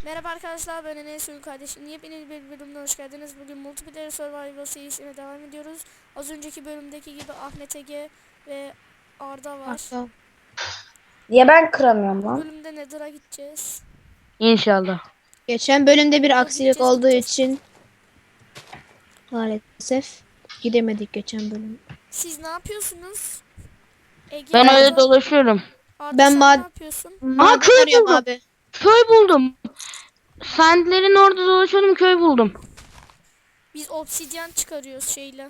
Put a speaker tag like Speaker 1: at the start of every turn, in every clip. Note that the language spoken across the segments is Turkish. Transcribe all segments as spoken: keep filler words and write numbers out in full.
Speaker 1: Merhaba arkadaşlar, ben Enes Uygun kardeşim. Yepyeni bir bölümüne hoş geldiniz. Bugün Multiplayer Survival serisine devam ediyoruz. Az önceki bölümdeki gibi Ahmet Ege ve Arda var.
Speaker 2: Hatta
Speaker 3: Niye ben kıramıyorum
Speaker 1: Bu
Speaker 3: lan?
Speaker 1: bölümde Nether'a gideceğiz.
Speaker 2: İnşallah.
Speaker 1: Ama
Speaker 2: geçen bölümde bir
Speaker 1: ama
Speaker 2: aksilik
Speaker 1: gideceğiz
Speaker 2: olduğu
Speaker 1: gideceğiz.
Speaker 2: için maalesef gidemedik geçen bölüm.
Speaker 1: Siz ne yapıyorsunuz? Ege,
Speaker 2: Ben
Speaker 3: Ben
Speaker 2: öyle
Speaker 1: Arda,
Speaker 2: dolaşıyorum.
Speaker 1: Arda
Speaker 2: Ben
Speaker 1: sen ne
Speaker 2: mad
Speaker 1: yapıyorsun?
Speaker 2: maden
Speaker 3: köy
Speaker 2: arıyorum
Speaker 3: buldum.
Speaker 2: abi. Köy buldum. Sandlerin orada dolaşıyordum, köy buldum.
Speaker 1: Biz obsidyen çıkarıyoruz şeyle.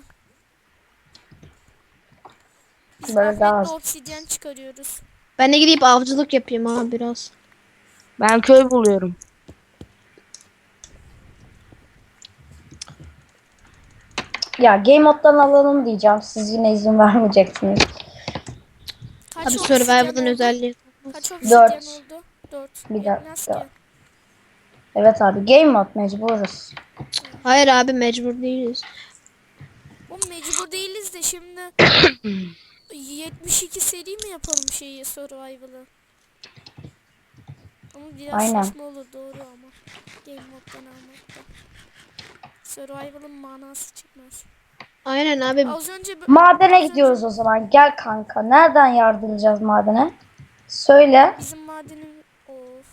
Speaker 1: Biz
Speaker 3: Böyle daha
Speaker 1: Ahmet'le
Speaker 3: az.
Speaker 1: obsidyen çıkarıyoruz.
Speaker 2: Ben de gidip avcılık yapayım abi biraz.
Speaker 3: Ben köy buluyorum. Ya game moddan alalım diyeceğim. Siz yine izin vermeyeceksiniz.
Speaker 1: Kaç
Speaker 2: Abi
Speaker 1: obsidyen
Speaker 2: survival'ın
Speaker 1: oldu?
Speaker 2: özelliği.
Speaker 1: Kaç obsidyen
Speaker 3: Dört.
Speaker 1: oldu? Dört.
Speaker 3: Bir
Speaker 1: Yetmez ki.
Speaker 3: dakika. Evet abi game mod mecburuz.
Speaker 2: Hayır abi, mecbur değiliz.
Speaker 1: O mecbur değiliz de şimdi yetmiş iki seri mi yapalım şeyi survival'ı? Ama biraz
Speaker 3: Aynen.
Speaker 1: saçma olur doğru ama. Game moddan almak da. Survival'ın manası çıkmaz.
Speaker 2: Aynen abi.
Speaker 1: Az önce
Speaker 3: Madene
Speaker 1: az
Speaker 3: gidiyoruz
Speaker 1: önce
Speaker 3: o zaman. Gel kanka. Nereden yardıracağız madene? Söyle.
Speaker 1: bizim madenin of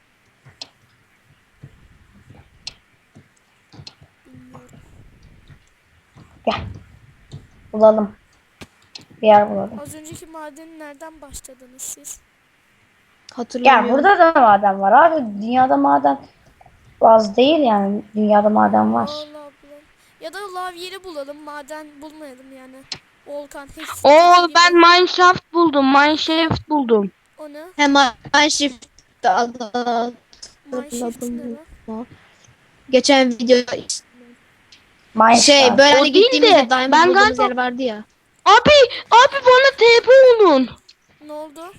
Speaker 1: bilmiyorum.
Speaker 3: Gel. Bulalım. Bir yer bulalım.
Speaker 1: Az önceki madeni nereden başladınız siz?
Speaker 2: Hatırlamıyorum.
Speaker 3: Gel burada da maden var abi. Dünyada maden az değil yani. Dünyada maden var.
Speaker 1: Allah bulalım. Ya da lav yeri bulalım, maden bulmayalım yani. Volkan
Speaker 2: Oo,
Speaker 1: Hex'teki
Speaker 2: ben
Speaker 1: gibi.
Speaker 2: mineshaft buldum. Mineshaft buldum.
Speaker 1: O ne?
Speaker 2: Hemen Mineshaft'ı
Speaker 1: Mineshift ne
Speaker 2: hatırladım.
Speaker 1: lan?
Speaker 2: Geçen video
Speaker 3: Mineshaft.
Speaker 2: şey böyle
Speaker 3: O
Speaker 2: hani
Speaker 3: değil
Speaker 2: gittiğimizde
Speaker 3: de
Speaker 2: diamond
Speaker 3: ben
Speaker 2: bulduğumuz
Speaker 3: galiba
Speaker 2: yer vardı ya.
Speaker 3: abi abi bana T P olun.
Speaker 1: Ne oldu?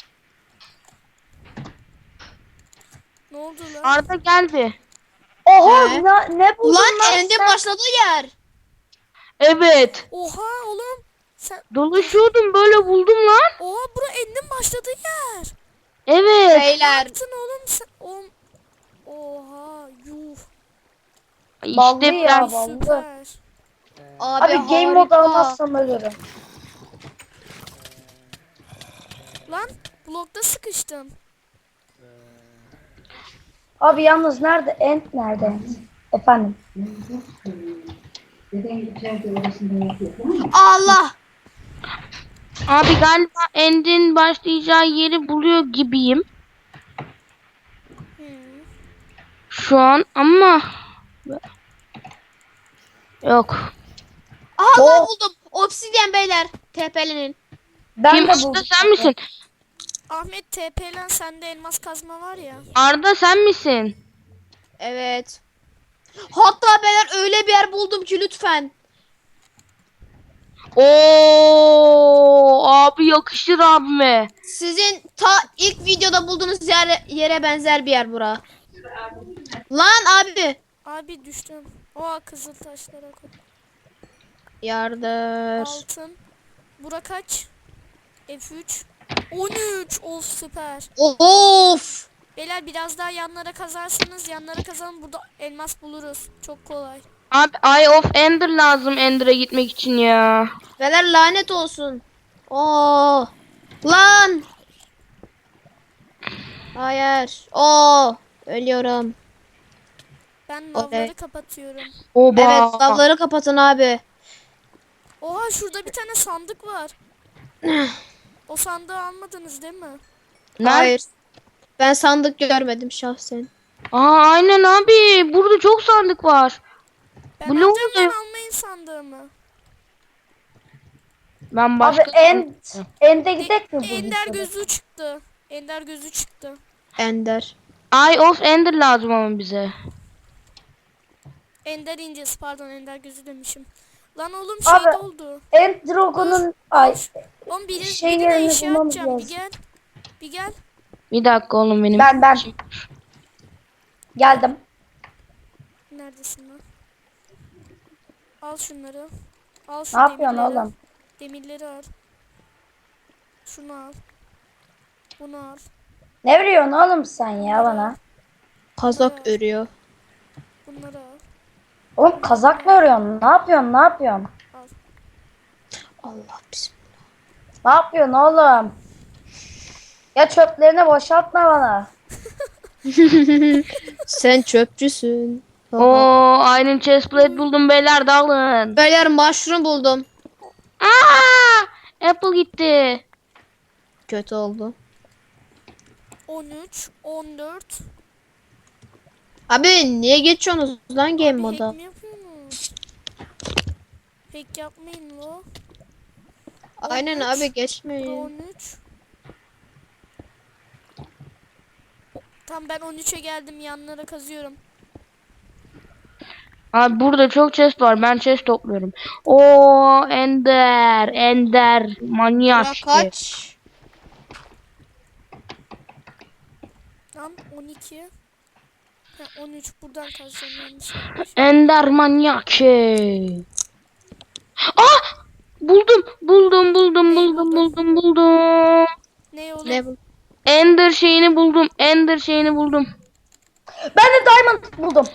Speaker 1: Ne oldu lan?
Speaker 2: Arda gel bir.
Speaker 3: Oha
Speaker 2: He.
Speaker 3: ne, ne buldun
Speaker 2: Lan
Speaker 3: lan
Speaker 2: End'in
Speaker 3: sen?
Speaker 2: başladığı yer.
Speaker 3: Evet.
Speaker 1: Oha oğlum. Sen
Speaker 3: Dolaşıyordum böyle buldum lan.
Speaker 1: oha bura endin başladığı yer.
Speaker 3: Evet.
Speaker 1: Ne
Speaker 2: Beyler.
Speaker 1: yaptın oğlum sen? Oğlum. Oha yuh.
Speaker 3: Ballı
Speaker 2: İşte
Speaker 3: ya
Speaker 2: ben
Speaker 3: ballı.
Speaker 1: Süper.
Speaker 2: abi,
Speaker 3: Abi game mode
Speaker 2: harika.
Speaker 3: almazsam ölürüm.
Speaker 1: Lan blokta sıkıştım.
Speaker 3: Abi yalnız nerede? End nerede? End? Efendim.
Speaker 2: Allah. Abi galiba End'in başlayacağı yeri buluyor gibiyim
Speaker 1: Hmm.
Speaker 2: şu an ama yok.
Speaker 3: Aa,
Speaker 2: Allah buldum. Obsidyen beyler. T P'lenin.
Speaker 3: Ben
Speaker 2: Kim,
Speaker 3: de
Speaker 2: Arda
Speaker 3: buldum.
Speaker 2: sen misin?
Speaker 1: Ahmet T P'len sende elmas kazma var ya.
Speaker 2: Arda sen misin? Evet. Hatta beyler öyle bir yer buldum ki lütfen. Oo abi, yakışır abime. Sizin ta ilk videoda bulduğunuz yere, yere benzer bir yer bura. Lan abi.
Speaker 1: Abi düştüm. Oha kızıl taşlara koy.
Speaker 2: Yardır.
Speaker 1: Altın. Bura kaç? F üç. on üç. Of süper.
Speaker 2: Of.
Speaker 1: Beyler biraz daha yanlara kazarsınız. Yanlara kazalım. Burada elmas buluruz. Çok kolay.
Speaker 2: Abi Eye of Ender lazım Ender'a gitmek için ya. Beyler lanet olsun. Oo. Lan. Hayır. Oo. Ölüyorum.
Speaker 1: Ben
Speaker 2: Okey.
Speaker 1: lavları kapatıyorum.
Speaker 2: Oba. Evet, lavları kapatın abi.
Speaker 1: Oha şurada bir tane sandık var. O sandığı almadınız değil mi?
Speaker 2: Hayır. Ben sandık görmedim şahsen. Aa aynen abi. Burada çok sandık var.
Speaker 1: Ben
Speaker 2: Bu ne
Speaker 1: alacağım lan,
Speaker 2: oluyor?
Speaker 1: almayın sandığımı.
Speaker 2: Ben
Speaker 3: Abi
Speaker 2: başka
Speaker 3: end end'e
Speaker 1: De-
Speaker 3: gidek mi bu
Speaker 1: Ender
Speaker 3: videoda?
Speaker 1: gözü çıktı. Ender gözü çıktı.
Speaker 2: Ender. Eye of Ender lazım ama bize.
Speaker 1: Ender incesi pardon, Ender gözü demişim. Lan oğlum
Speaker 3: Abi,
Speaker 1: şey oldu.
Speaker 3: End
Speaker 1: Dur.
Speaker 3: Dragon'un
Speaker 1: Al.
Speaker 3: ay
Speaker 1: Oğlum biri,
Speaker 3: şey
Speaker 1: birine
Speaker 3: yerini
Speaker 1: eşya
Speaker 3: bulmamız
Speaker 1: atacağım. Bir
Speaker 3: lazım.
Speaker 1: gel. Bir gel.
Speaker 2: Bir dakika oğlum benim.
Speaker 3: Ben ben geldim.
Speaker 1: Neredesin lan? Al şunları. Al şu
Speaker 3: Ne yapıyorsun
Speaker 1: demirleri.
Speaker 3: oğlum?
Speaker 1: Demirleri al. Şunu al. Bunu al.
Speaker 3: Ne veriyorsun oğlum sen ya bana?
Speaker 2: Kazak
Speaker 1: Evet.
Speaker 2: örüyor.
Speaker 1: Bunları al.
Speaker 3: Oğlum kazak mı örüyorsun? Ne yapıyorsun? Ne yapıyorsun?
Speaker 1: Al.
Speaker 2: Allah bizim.
Speaker 3: Ne yapıyorsun oğlum? Ya çöplerini boşaltma bana.
Speaker 2: Sen çöpçüsün.
Speaker 4: Oo, Iron chestplate buldum beyler, dalın.
Speaker 2: Beyler mushroom buldum.
Speaker 4: Aa! Apple gitti.
Speaker 2: Kötü oldu.
Speaker 1: on üç, on dört.
Speaker 2: Abi niye geçiyorsunuz lan game
Speaker 1: Abi
Speaker 2: moda?
Speaker 1: hack mi yapıyorsunuz? Hack yapmayın lo.
Speaker 2: Aynen
Speaker 1: on üç,
Speaker 2: abi
Speaker 1: Pro
Speaker 2: geçmeyin.
Speaker 1: on üç. Tam ben on üçe geldim, yanlara kazıyorum.
Speaker 4: Abi burada çok chest var. Ben chest topluyorum. Oo, Ender, Ender manyak.
Speaker 2: Bura kaç?
Speaker 1: Tam on iki. Ha, on üç buradan kazacağım, yanlış yapmış.
Speaker 4: Ender manyak şey. Ah! Buldum, buldum, buldum,
Speaker 1: Neyi
Speaker 4: buldum,
Speaker 1: buldun?
Speaker 4: buldum, buldum.
Speaker 1: Ne oğlum?
Speaker 2: Ne bu?
Speaker 4: Ender şeyini buldum. Ender şeyini buldum.
Speaker 3: Ben de diamond buldum.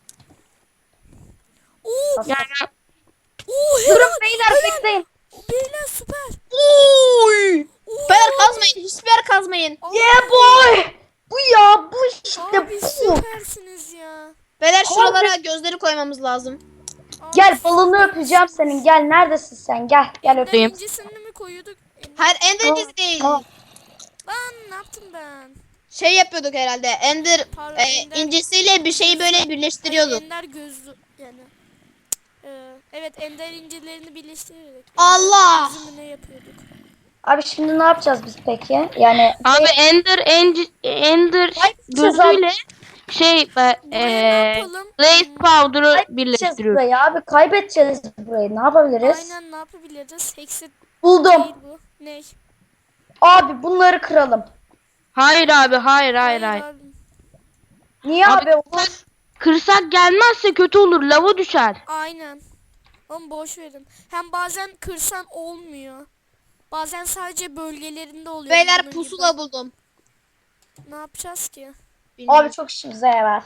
Speaker 1: Oo,
Speaker 4: Yani
Speaker 1: oo,
Speaker 3: Durun
Speaker 1: helal.
Speaker 3: beyler bekleyin.
Speaker 1: Beyler süper.
Speaker 2: Uy!
Speaker 1: Oo.
Speaker 2: Beyler kazmayın. Hiçbir yer kazmayın.
Speaker 1: Abi,
Speaker 3: Yeah boy. Bu ya bu işte
Speaker 1: abi
Speaker 3: bu.
Speaker 1: süpersiniz ya.
Speaker 2: Beyler
Speaker 3: Abi.
Speaker 2: şuralara gözleri koymamız lazım.
Speaker 1: Abi,
Speaker 3: Gel balını öpeceğim senin. Gel neredesin sen? Gel gel
Speaker 1: Ender
Speaker 3: öpeyim.
Speaker 1: incisini mi koyuyorduk? Ender-
Speaker 2: Hayır Ender incisi değil.
Speaker 3: Tamam.
Speaker 1: Lan ne yaptım ben?
Speaker 2: Şey yapıyorduk herhalde. Ender
Speaker 1: Pardon,
Speaker 2: e,
Speaker 1: Ender-
Speaker 2: incisiyle bir şeyi böyle
Speaker 1: Hayır,
Speaker 2: birleştiriyorduk.
Speaker 1: Ender gözlü yani. Ee, evet, Ender incilerini birleştirerek.
Speaker 2: Allah!
Speaker 1: Gözümü ne yapıyorduk?
Speaker 3: Abi şimdi ne yapacağız biz peki? Yani
Speaker 4: abi Ender Ender, Ender
Speaker 3: Kaybedeceğiz
Speaker 4: gözüyle şey e,
Speaker 1: Buraya ne
Speaker 4: e,
Speaker 1: yapalım?
Speaker 4: Blaze
Speaker 1: Hmm,
Speaker 4: Powder'ı
Speaker 3: kaybedeceğiz
Speaker 4: birleştiriyoruz.
Speaker 3: burayı abi. Kaybedeceğiz burayı. Ne yapabiliriz?
Speaker 1: Aynen, ne yapabiliriz? Hexit
Speaker 3: Buldum.
Speaker 1: değil bu. Ne?
Speaker 3: Abi bunları kıralım.
Speaker 4: Hayır abi, hayır, hayır, hayır.
Speaker 1: abi.
Speaker 3: Niye
Speaker 4: Abi,
Speaker 3: abi, olur?
Speaker 4: Kırsak gelmezse kötü olur. Lava düşer.
Speaker 1: Aynen. Ama boş verin. Hem bazen kırsan olmuyor. Bazen sadece bölgelerinde oluyor.
Speaker 2: Beyler
Speaker 1: bunun
Speaker 2: pusula
Speaker 1: gibi.
Speaker 2: buldum.
Speaker 1: Ne yapacağız ki?
Speaker 2: Bilmiyorum.
Speaker 3: Abi çok işimize yarar.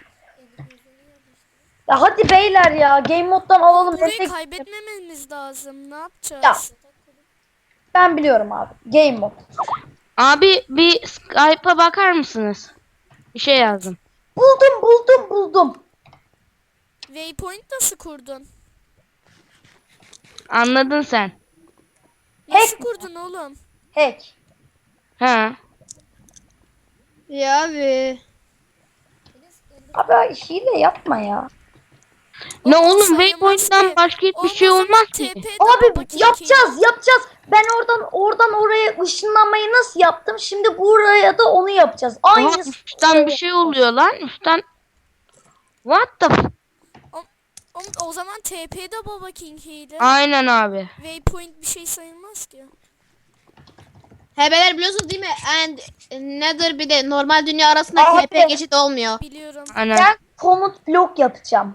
Speaker 3: Ya hadi beyler ya. Game moddan alalım.
Speaker 1: Burayı
Speaker 3: desek-
Speaker 1: kaybetmememiz lazım. Ne yapacağız?
Speaker 3: Ya. Ben biliyorum abi. Game mod.
Speaker 4: Abi bir Skype'a bakar mısınız? Bir şey yazdım.
Speaker 3: Buldum buldum buldum.
Speaker 1: Waypoint nasıl kurdun?
Speaker 4: Anladın sen.
Speaker 1: Nasıl
Speaker 3: Hack.
Speaker 1: kurdun oğlum?
Speaker 3: Hack.
Speaker 4: Ha.
Speaker 2: Ya abi.
Speaker 3: Abi hile yapma ya.
Speaker 4: Ne
Speaker 1: Oğlum,
Speaker 4: oğlum,
Speaker 1: sayılmaz
Speaker 4: Waypoint'ten
Speaker 1: ki.
Speaker 4: başka hiçbir
Speaker 1: Olmaz
Speaker 4: şey
Speaker 1: ama
Speaker 4: olmaz ki.
Speaker 1: T P'de
Speaker 3: Abi
Speaker 1: baba
Speaker 3: yapacağız yapacağız. Ben oradan oradan oraya ışınlanmayı nasıl yaptım? Şimdi buraya da onu yapacağız.
Speaker 4: Aha,
Speaker 3: Aynı.
Speaker 4: üstten bir şey oluyor lan. Üstten. What the f-
Speaker 1: O, o zaman T P'de Baba King hile.
Speaker 4: Aynen abi.
Speaker 1: Waypoint bir şey sayılmaz ki.
Speaker 2: He beyler biliyorsunuz değil mi? And Nether bir de normal dünya arasında
Speaker 3: Abi.
Speaker 2: T P geçit olmuyor.
Speaker 1: Biliyorum.
Speaker 4: Aynen.
Speaker 3: Ben komut blok yapacağım.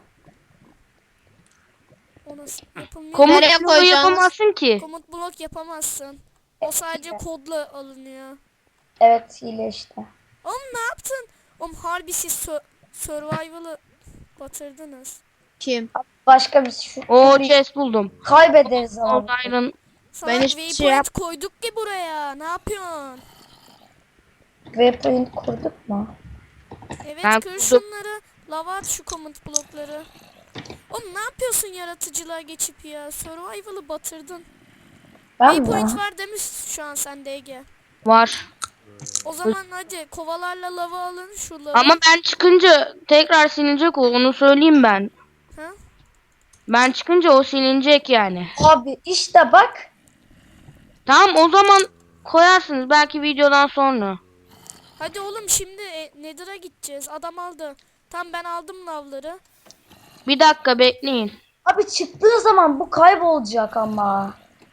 Speaker 1: O nasıl yapılmıyor?
Speaker 4: Komut
Speaker 2: Nereye
Speaker 4: bloğu
Speaker 2: koyacağız?
Speaker 4: yapamazsın ki.
Speaker 1: Komut blok yapamazsın. O sadece kodla alınıyor.
Speaker 3: Evet hile işte.
Speaker 1: Oğlum ne yaptın? Oğlum harbi siz sö- survival'ı batırdınız.
Speaker 2: Kim?
Speaker 3: Başka bir şu.
Speaker 4: O
Speaker 3: bir-
Speaker 4: chest buldum.
Speaker 3: Kaybederiz
Speaker 4: Old
Speaker 3: ama.
Speaker 4: Iron.
Speaker 1: Salak
Speaker 2: Ben hiçbir şey
Speaker 1: waypoint
Speaker 2: yap-
Speaker 1: koyduk ki buraya. Ne yapıyorsun?
Speaker 3: Waypoint kurduk mu?
Speaker 1: Evet,
Speaker 4: Ben
Speaker 1: kır
Speaker 4: kurdum.
Speaker 1: şunları. Lava at şu komut blokları. Oğlum ne yapıyorsun yaratıcılığa geçip ya? Survival'ı batırdın.
Speaker 3: Ben
Speaker 1: Waypoint
Speaker 3: mi?
Speaker 1: var demiş şu an sende Ege.
Speaker 4: Var.
Speaker 1: O zaman hadi kovalarla lava alın şu lava.
Speaker 4: Ama ben çıkınca tekrar silinecek o. Onu söyleyeyim ben.
Speaker 1: Ha?
Speaker 4: Ben çıkınca o silinecek yani.
Speaker 3: Abi işte bak.
Speaker 4: Tamam, o zaman koyarsınız belki videodan sonra.
Speaker 1: Hadi oğlum şimdi e, Nether'a gideceğiz. Adam aldı. Tam ben aldım lavları.
Speaker 4: Bir dakika bekleyin.
Speaker 3: Abi çıktığı zaman bu kaybolacak ama.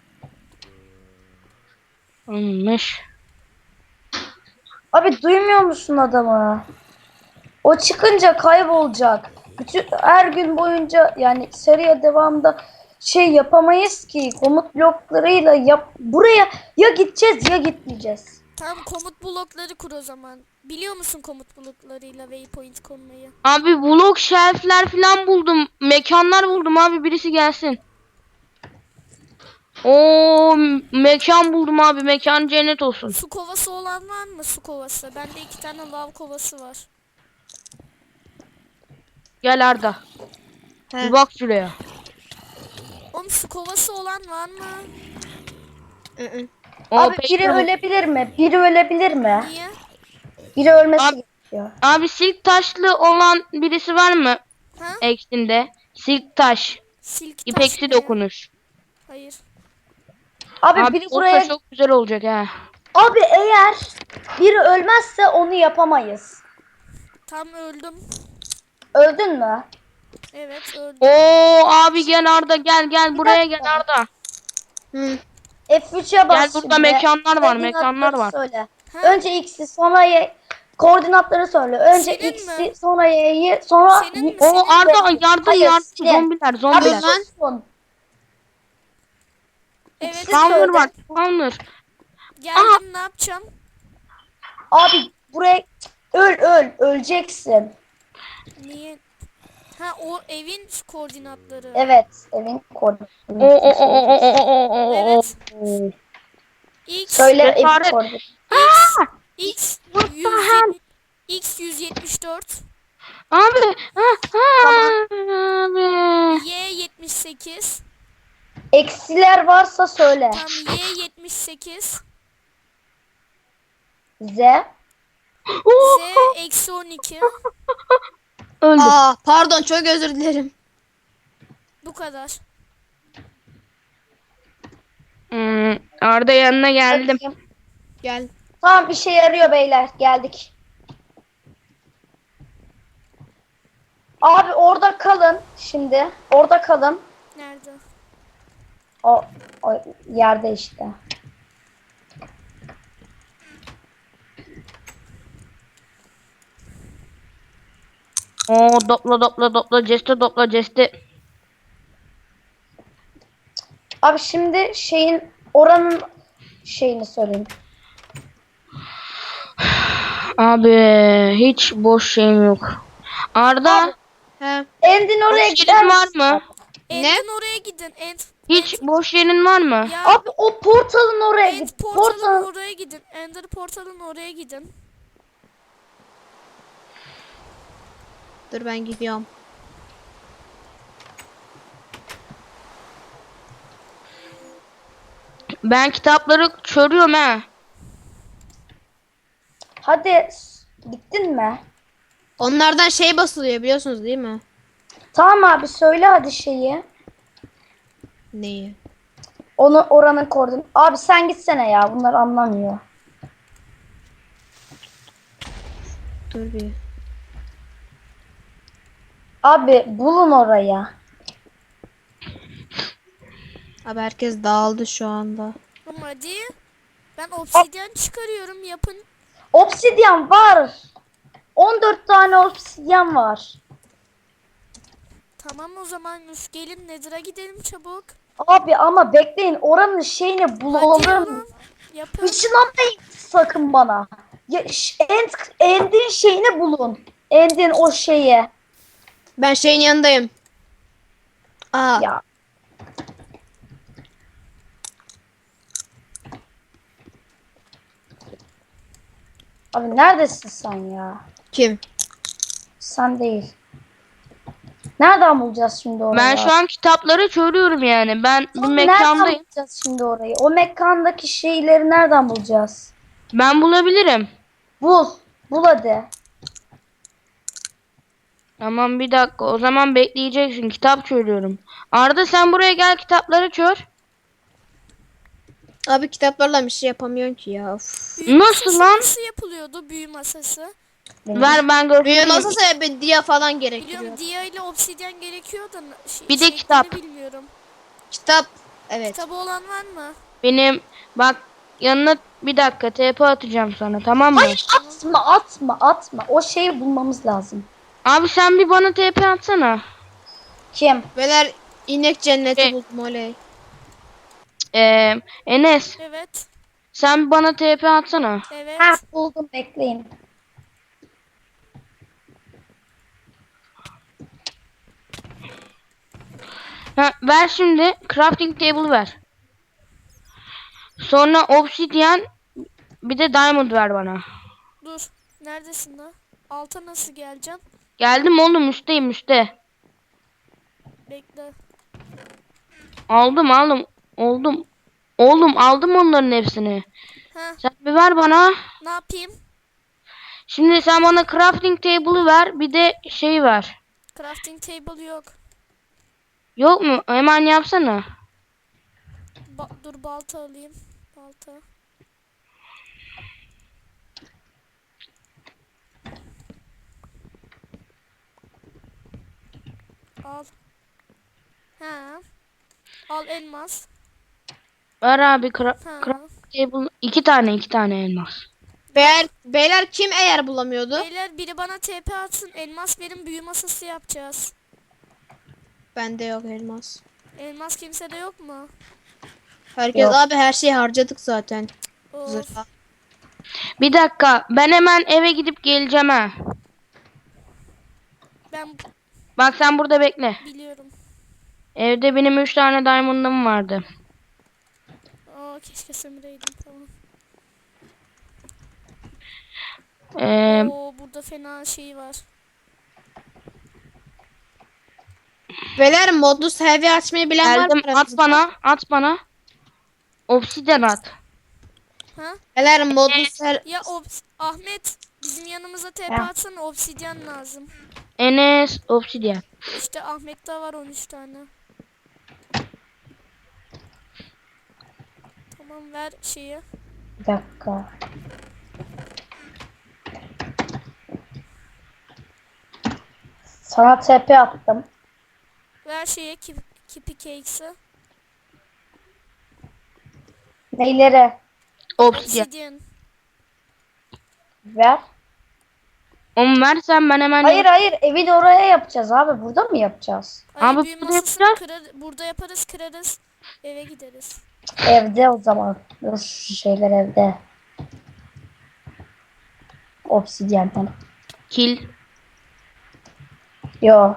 Speaker 4: Olmuş.
Speaker 3: Abi duymuyor musun adamı? O çıkınca kaybolacak. Bütün her gün boyunca yani seriye devamında şey yapamayız ki. Komut bloklarıyla yap buraya ya gideceğiz ya gitmeyeceğiz.
Speaker 1: Tamam, komut blokları kur o zaman. Biliyor musun komut bulutlarıyla waypoint konmayı?
Speaker 4: Abi blok shelf'ler falan buldum. Mekanlar buldum abi, birisi gelsin. Oo, mekan buldum abi, mekan cennet olsun.
Speaker 1: Su kovası olan var mı? Su kovası. Bende iki tane lav kovası var.
Speaker 4: Gel Arda.
Speaker 2: He.
Speaker 4: Bir bak şuraya.
Speaker 1: Oğlum su kovası olan var mı?
Speaker 2: Hı hı.
Speaker 4: O
Speaker 3: Abi
Speaker 4: pek
Speaker 3: biri
Speaker 4: yok.
Speaker 3: ölebilir mi? Biri ölebilir mi?
Speaker 1: Niye?
Speaker 3: Biri ölmesi
Speaker 4: Abi-
Speaker 3: gerekiyor.
Speaker 4: Abi silk taşlı olan birisi var mı?
Speaker 1: Ha?
Speaker 4: Eksinde. Silk taş.
Speaker 1: Silk taş
Speaker 4: İpeksi
Speaker 1: ne?
Speaker 4: dokunuş.
Speaker 1: Hayır.
Speaker 3: Abi,
Speaker 4: Abi
Speaker 3: biri
Speaker 4: olsa
Speaker 3: buraya...
Speaker 4: çok güzel olacak ha.
Speaker 3: Abi eğer biri ölmezse onu yapamayız.
Speaker 1: Tam öldüm.
Speaker 3: Öldün mü?
Speaker 1: Evet öldüm.
Speaker 4: Oo abi gel Arda, gel gel buraya gel Arda.
Speaker 2: Hı.
Speaker 3: F üç'e bas
Speaker 4: Gel, burada
Speaker 3: şimdi.
Speaker 4: mekanlar var,
Speaker 3: Koordinatları
Speaker 4: mekanlar var.
Speaker 3: Söyle.
Speaker 1: Ha?
Speaker 3: Önce X'i sonra Y. Koordinatları söyle. Önce
Speaker 1: Senin
Speaker 3: X'i
Speaker 1: mi?
Speaker 3: sonra Y'yi sonra...
Speaker 1: Senin mi?
Speaker 4: O
Speaker 1: Senin
Speaker 4: Arda
Speaker 3: mi?
Speaker 4: yardım
Speaker 3: Hayır,
Speaker 4: yardım,
Speaker 3: senin.
Speaker 4: zombiler
Speaker 3: Abi
Speaker 4: zombiler.
Speaker 2: lan.
Speaker 3: susun.
Speaker 1: Evet
Speaker 3: Spawner
Speaker 4: Spawner
Speaker 3: söyle.
Speaker 4: var, spawner.
Speaker 1: geldim, ne yapacağım?
Speaker 3: Abi buraya öl öl öleceksin.
Speaker 1: Niye? Ha o evin koordinatları.
Speaker 3: Evet, evin
Speaker 4: O
Speaker 3: koordinatları.
Speaker 4: o o o o o o o.
Speaker 1: Evet.
Speaker 4: o.
Speaker 1: X
Speaker 3: Söyle evin
Speaker 4: Cesaret.
Speaker 3: koordinatları.
Speaker 1: X
Speaker 4: What the
Speaker 1: yüz
Speaker 4: hell?
Speaker 1: yetmiş X yüz yetmiş dört,
Speaker 4: Abi. Ha, ha, abi.
Speaker 1: Y yetmiş sekiz,
Speaker 3: Eksiler varsa söyle.
Speaker 1: tam Y yetmiş sekiz,
Speaker 3: Z.
Speaker 1: Z eksi on iki.
Speaker 4: Öldü.
Speaker 2: Aa, pardon, çok özür dilerim.
Speaker 1: Bu kadar.
Speaker 4: Hmm, Arda yanına geldim.
Speaker 3: Bakayım.
Speaker 2: Gel.
Speaker 3: Tamam, işe yarıyor beyler. Geldik. Abi orada kalın şimdi. Orada kalın.
Speaker 1: Nerede?
Speaker 3: O, o yerde işte.
Speaker 4: Oo, dopla dopla dopla ceste dopla ceste.
Speaker 3: Abi şimdi şeyin oranın şeyini söyleyeyim.
Speaker 4: Abi hiç boş şeyim yok. Arda
Speaker 2: He.
Speaker 3: Endin oraya
Speaker 4: boş
Speaker 3: gider
Speaker 4: yerin var
Speaker 3: misin?
Speaker 4: mı?
Speaker 1: End'in oraya gidin. End.
Speaker 4: Hiç
Speaker 1: End-
Speaker 4: boş yerin var mı?
Speaker 1: Ya
Speaker 3: Abi o portalın oraya
Speaker 1: End
Speaker 3: git.
Speaker 1: portalın
Speaker 3: Portal.
Speaker 1: oraya gidin. Ender portalın oraya gidin.
Speaker 2: Dur ben gidiyorum.
Speaker 4: Ben kitapları çörüyorum ha.
Speaker 3: Hadi s- gittin mi?
Speaker 2: Onlardan şey basılıyor biliyorsunuz değil mi?
Speaker 3: Tamam abi, söyle hadi şeyi.
Speaker 2: Neyi?
Speaker 3: Onu oranın koordinatı. Abi sen gitsene ya. Bunlar anlamıyor.
Speaker 2: Dur bir.
Speaker 3: Abi bulun oraya.
Speaker 2: Abi herkes dağıldı şu anda.
Speaker 1: Ama hadi. Ben obsidyen çıkarıyorum. Yapın.
Speaker 3: Obsidyen var. on dört tane obsidyen var.
Speaker 1: Tamam o zaman üf, gelin Nether'a gidelim çabuk.
Speaker 3: Abi ama bekleyin, oranın şeyini
Speaker 1: Hadi
Speaker 3: bulalım.
Speaker 1: oğlum. Yapın.
Speaker 3: Işınlanmayın sakın bana. Ya, ş- end, endin şeyini bulun. Endin o şeyi.
Speaker 2: Ben şeyin yanındayım. Aa,
Speaker 3: Ya. Abi neredesin sen ya?
Speaker 2: kim?
Speaker 3: Sen değil. Nereden bulacağız şimdi orayı?
Speaker 4: Ben şu an kitapları çörüyorum yani. Ben bir
Speaker 3: Oğlum, nereden
Speaker 4: mekandayım.
Speaker 3: bulacağız şimdi orayı? O mekandaki şeyleri nereden bulacağız?
Speaker 4: Ben bulabilirim.
Speaker 3: Bul. Bul hadi.
Speaker 4: Tamam bir dakika. O zaman bekleyeceksin. Kitap çörüyorum. Arda sen buraya gel, kitapları çör.
Speaker 2: Abi kitaplarla bir şey yapamıyorsun ki ya. Of.
Speaker 1: Büyü
Speaker 4: Nasıl
Speaker 1: masası
Speaker 4: lan?
Speaker 1: nasıl yapılıyordu büyü masası?
Speaker 4: Ver ben
Speaker 2: Büyü
Speaker 4: göstereyim.
Speaker 2: masası bir dia falan gerekiyor.
Speaker 1: Biliyorum dia ile obsidyen gerekiyor da na- şey,
Speaker 4: Bir de
Speaker 1: şeklini
Speaker 4: kitap.
Speaker 1: bilmiyorum.
Speaker 2: Kitap. Evet.
Speaker 1: Kitabı olan var mı?
Speaker 4: Benim bak yanına bir dakika T P atacağım sana, tamam mı?
Speaker 3: Hayır, atma atma atma. O şeyi bulmamız lazım.
Speaker 4: Abi sen bir bana T P atsana.
Speaker 3: Kim?
Speaker 2: Beyler inek cenneti
Speaker 4: Şey-
Speaker 2: buldum oley.
Speaker 4: Ee, Enes
Speaker 1: Evet.
Speaker 4: sen bir bana T P atsana.
Speaker 1: Evet.
Speaker 3: Ha, buldum, bekleyin.
Speaker 4: Ha, ver şimdi. Crafting table ver. Sonra obsidian bir de diamond ver bana.
Speaker 1: Dur. Neredesin lan? Alta nasıl geleceğim?
Speaker 4: Geldim oğlum, üstteyim üstte.
Speaker 1: Bekle.
Speaker 4: Aldım aldım. Oldum. Oğlum aldım onların hepsini.
Speaker 1: Ha,
Speaker 4: Sen bir ver bana.
Speaker 1: ne yapayım?
Speaker 4: Şimdi sen bana crafting table'ı ver. Bir de şey ver.
Speaker 1: Crafting table yok.
Speaker 4: Yok mu? Hemen yapsana.
Speaker 1: Ba- dur balta alayım. Balta. Al. Ha. Al elmas.
Speaker 4: Ver abi cra
Speaker 1: Ha.
Speaker 4: crafting table. İki tane iki tane elmas.
Speaker 2: Beyler, beyler kim eğer bulamıyordu?
Speaker 1: Beyler biri bana T P atsın. Elmas verin, büyü masası yapacağız.
Speaker 2: Bende yok elmas.
Speaker 1: Elmas kimsede yok mu?
Speaker 2: Herkes
Speaker 3: Yok.
Speaker 2: abi her şeyi harcadık zaten.
Speaker 1: Of.
Speaker 2: Zırha.
Speaker 4: Bir dakika. Ben hemen eve gidip geleceğim ha.
Speaker 1: Ben
Speaker 4: Bak sen burada bekle.
Speaker 1: biliyorum.
Speaker 4: Evde benim üç tane diamond'ım vardı.
Speaker 1: Aa, keşke sömüreydim. Tamam.
Speaker 4: Ee,
Speaker 1: Oo, burada fena şey var.
Speaker 2: Beyler modlu heavy açmayı bilen var mı?
Speaker 4: geldim. At
Speaker 2: aranızda?
Speaker 4: bana. At bana. Obsidian at.
Speaker 1: Ha?
Speaker 2: Beyler modlu ser...
Speaker 1: Ya obs Ahmet bizim yanımıza T P
Speaker 3: Ha.
Speaker 1: atsana, obsidyen lazım.
Speaker 4: Enes obsidian.
Speaker 1: İşte Ahmet'te var on üç tane. Tamam, ver şeyi.
Speaker 3: Bir dakika. Sana T P attım.
Speaker 1: Ver şeyi, kip, kipi cakes'ı.
Speaker 3: Neylere?
Speaker 4: Obsidian.
Speaker 1: Obsidyen.
Speaker 3: Ver.
Speaker 4: Onu versen ben hemen...
Speaker 3: Hayır hayır, evi de oraya yapacağız abi. Burada mı yapacağız?
Speaker 1: Ay,
Speaker 4: Abi
Speaker 1: büyü
Speaker 4: burada
Speaker 1: masasını
Speaker 4: yapacağız.
Speaker 1: kırar, burada yaparız, kırarız. Eve gideriz.
Speaker 3: Evde o zaman. Dur, şu şeyler evde. Obsidyen.
Speaker 4: Kill.
Speaker 3: Yo.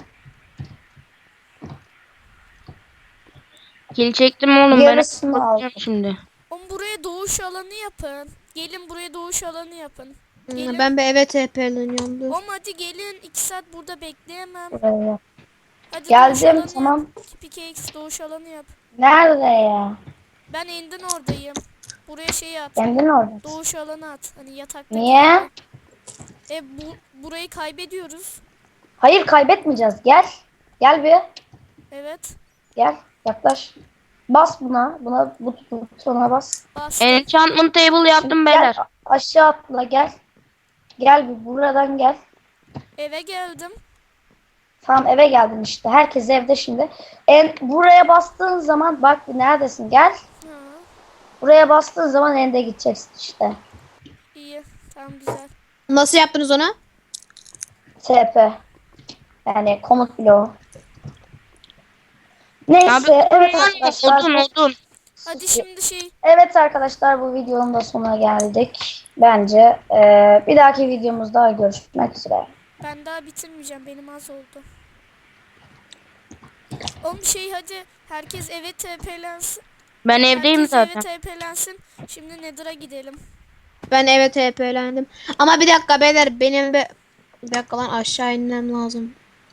Speaker 4: Kill çektim oğlum. Ben
Speaker 3: Yarısını
Speaker 4: bakacağım
Speaker 3: aldım.
Speaker 4: şimdi.
Speaker 1: Oğlum buraya doğuş alanı yapın. Gelin buraya doğuş alanı yapın. Gelin.
Speaker 2: Hmm, ben bir eve T P'leniyorum dur.
Speaker 1: Oğlum hadi gelin. iki saat burada bekleyemem.
Speaker 3: Buraya yap.
Speaker 1: Hadi
Speaker 3: Geldim,
Speaker 1: doğuş alanı
Speaker 3: tamam.
Speaker 1: yap. Kipi cakes doğuş alanı yap.
Speaker 3: Nerede ya?
Speaker 1: Ben endin oradayım. Buraya şey at.
Speaker 3: Kendin orada.
Speaker 1: Doğuş alanı at. Hani yatakta.
Speaker 3: Niye?
Speaker 1: E bu burayı kaybediyoruz.
Speaker 3: Hayır, kaybetmeyeceğiz. Gel. Gel bir.
Speaker 1: Evet.
Speaker 3: Gel. Yaklaş. Bas buna. Buna bu butona bas.
Speaker 1: Bastım.
Speaker 4: Enchantment table yaptım
Speaker 3: Gel,
Speaker 4: beyler.
Speaker 3: a- aşağı atla gel. Gel bir buradan gel.
Speaker 1: Eve geldim.
Speaker 3: Tamam, eve geldin işte. Herkes evde şimdi. En buraya bastığın zaman bak bir neredesin? Gel.
Speaker 1: Ha,
Speaker 3: Buraya bastığın zaman ende gideceksin işte.
Speaker 1: iyi. Tamam, güzel.
Speaker 2: Nasıl yaptınız onu?
Speaker 3: T P. Yani komut bloğu. Neyse,
Speaker 4: Abi
Speaker 3: evet arkadaşlar.
Speaker 4: odun odun.
Speaker 1: Hadi şimdi şey.
Speaker 3: Evet arkadaşlar, bu videonun da sonuna geldik. Bence eee, bir dahaki videomuzda görüşmek üzere.
Speaker 1: Ben daha bitirmeyeceğim. Benim az oldu. Oğlum şey hadi. Herkes eve T P'lensin.
Speaker 4: Ben evdeyim
Speaker 1: Herkes
Speaker 4: zaten.
Speaker 1: eve T P'lensin. Şimdi Nether'a gidelim.
Speaker 2: Ben eve T P'lendim. Ama bir dakika beyler benim bir... Bir dakika lan aşağı inmem lazım.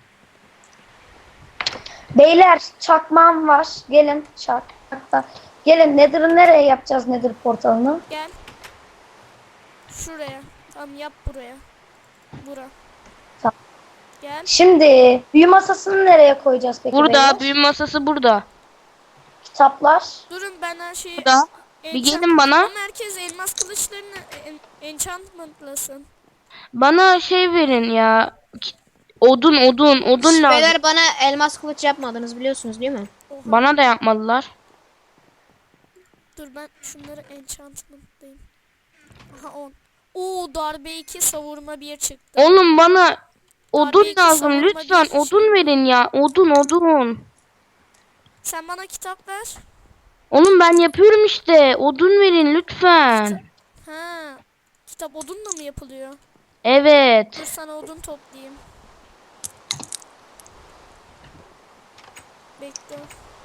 Speaker 3: Beyler, çakmağım var. Gelin çakmakta. Gelin, Nether'ı nereye yapacağız, Nether portalını?
Speaker 1: Gel. Şuraya. Tamam, yap buraya. Bura.
Speaker 3: Tamam.
Speaker 1: Gel.
Speaker 3: Şimdi büyü masasını nereye koyacağız peki
Speaker 4: Burada
Speaker 3: beyler?
Speaker 4: büyü masası burada.
Speaker 3: Kitaplar.
Speaker 1: Durun ben her şeyi...
Speaker 4: Burada. Bir
Speaker 1: enchant-
Speaker 4: gelin bana.
Speaker 1: Ama herkes elmas kılıçlarını en enchantmentlasın.
Speaker 4: Bana şey verin ya. Ki- Odun odun odun lazım.
Speaker 2: Beyler bana elmas kılıç yapmadınız biliyorsunuz değil mi?
Speaker 1: Oha.
Speaker 4: Bana da yapmadılar.
Speaker 1: Dur ben şunları enchantmentlayayım. Aha on. Oo, darbe iki, savurma bir çıktı.
Speaker 4: Oğlum bana odun
Speaker 1: iki
Speaker 4: lazım
Speaker 1: savunma
Speaker 4: lütfen.
Speaker 1: bir şey.
Speaker 4: Odun verin ya. Odun odun.
Speaker 1: Sen bana kitap ver.
Speaker 4: Oğlum ben yapıyorum işte. Odun verin lütfen.
Speaker 1: Ha. Kitap odunla mı yapılıyor? Dur
Speaker 4: Evet.
Speaker 1: sana odun toplayayım. Bekle.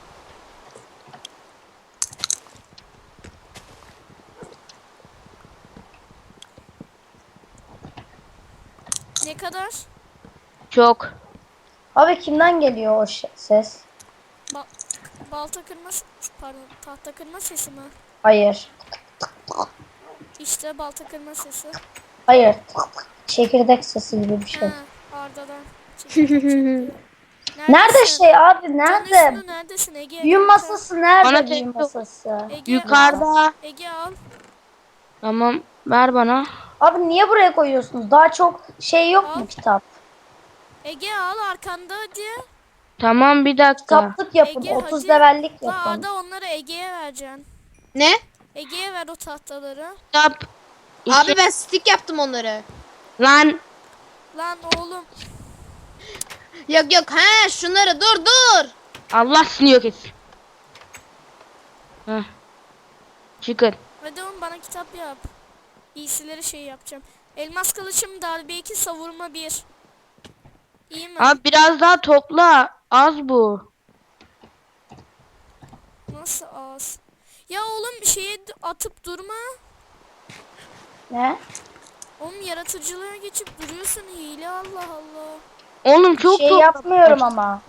Speaker 1: Ne kadar?
Speaker 4: Çok.
Speaker 3: Abi kimden geliyor o ş- ses?
Speaker 1: Ba balta kırma s- pardon tahta kırma sesi mi?
Speaker 3: Hayır.
Speaker 1: İşte balta kırma sesi.
Speaker 3: Hayır. Çekirdek sesi gibi bir şey.
Speaker 1: Ha, Arda'dan. Çekirdek çekti.
Speaker 3: Nerede
Speaker 1: Neredesin?
Speaker 3: şey abi?
Speaker 1: Canın
Speaker 3: Nerede?
Speaker 1: üstünde neredesin Ege?
Speaker 3: Büyü
Speaker 1: Kanka.
Speaker 3: masası nerede?
Speaker 4: Bana
Speaker 3: Büyü
Speaker 4: tek-
Speaker 3: masası.
Speaker 1: Ege,
Speaker 4: Yukarıda.
Speaker 1: Ege al.
Speaker 4: Tamam ver bana.
Speaker 3: Abi niye buraya koyuyorsunuz? Daha çok şey yok mu
Speaker 1: Al.
Speaker 3: kitap?
Speaker 1: Ege al arkanda hadi.
Speaker 4: Tamam bir dakika.
Speaker 3: Kitaplık yapın.
Speaker 1: Ege,
Speaker 3: otuz
Speaker 1: hadi.
Speaker 3: levellik
Speaker 1: La
Speaker 3: yapın.
Speaker 1: Arda onları Ege'ye vereceksin.
Speaker 2: Ne?
Speaker 1: Ege'ye ver o tahtaları.
Speaker 4: Kitap.
Speaker 2: Abi
Speaker 4: İki-
Speaker 2: ben stick yaptım onları.
Speaker 4: Lan.
Speaker 1: Lan oğlum.
Speaker 2: Yok yok he şunları dur dur.
Speaker 4: Allah seni yok etsin. Heh. Çıkın.
Speaker 1: Hadi oğlum bana kitap yap. İyisileri şey yapacağım. Elmas kılıçım darbe iki savurma bir. İyi mi?
Speaker 4: Abi biraz daha topla. Az bu.
Speaker 1: Nasıl az? Ya oğlum şeye d- atıp durma.
Speaker 3: Ne?
Speaker 1: Oğlum yaratıcılığa geçip duruyorsun hile Allah Allah.
Speaker 4: Oğlum çok
Speaker 3: Şey
Speaker 4: topla.
Speaker 3: yapmıyorum ama.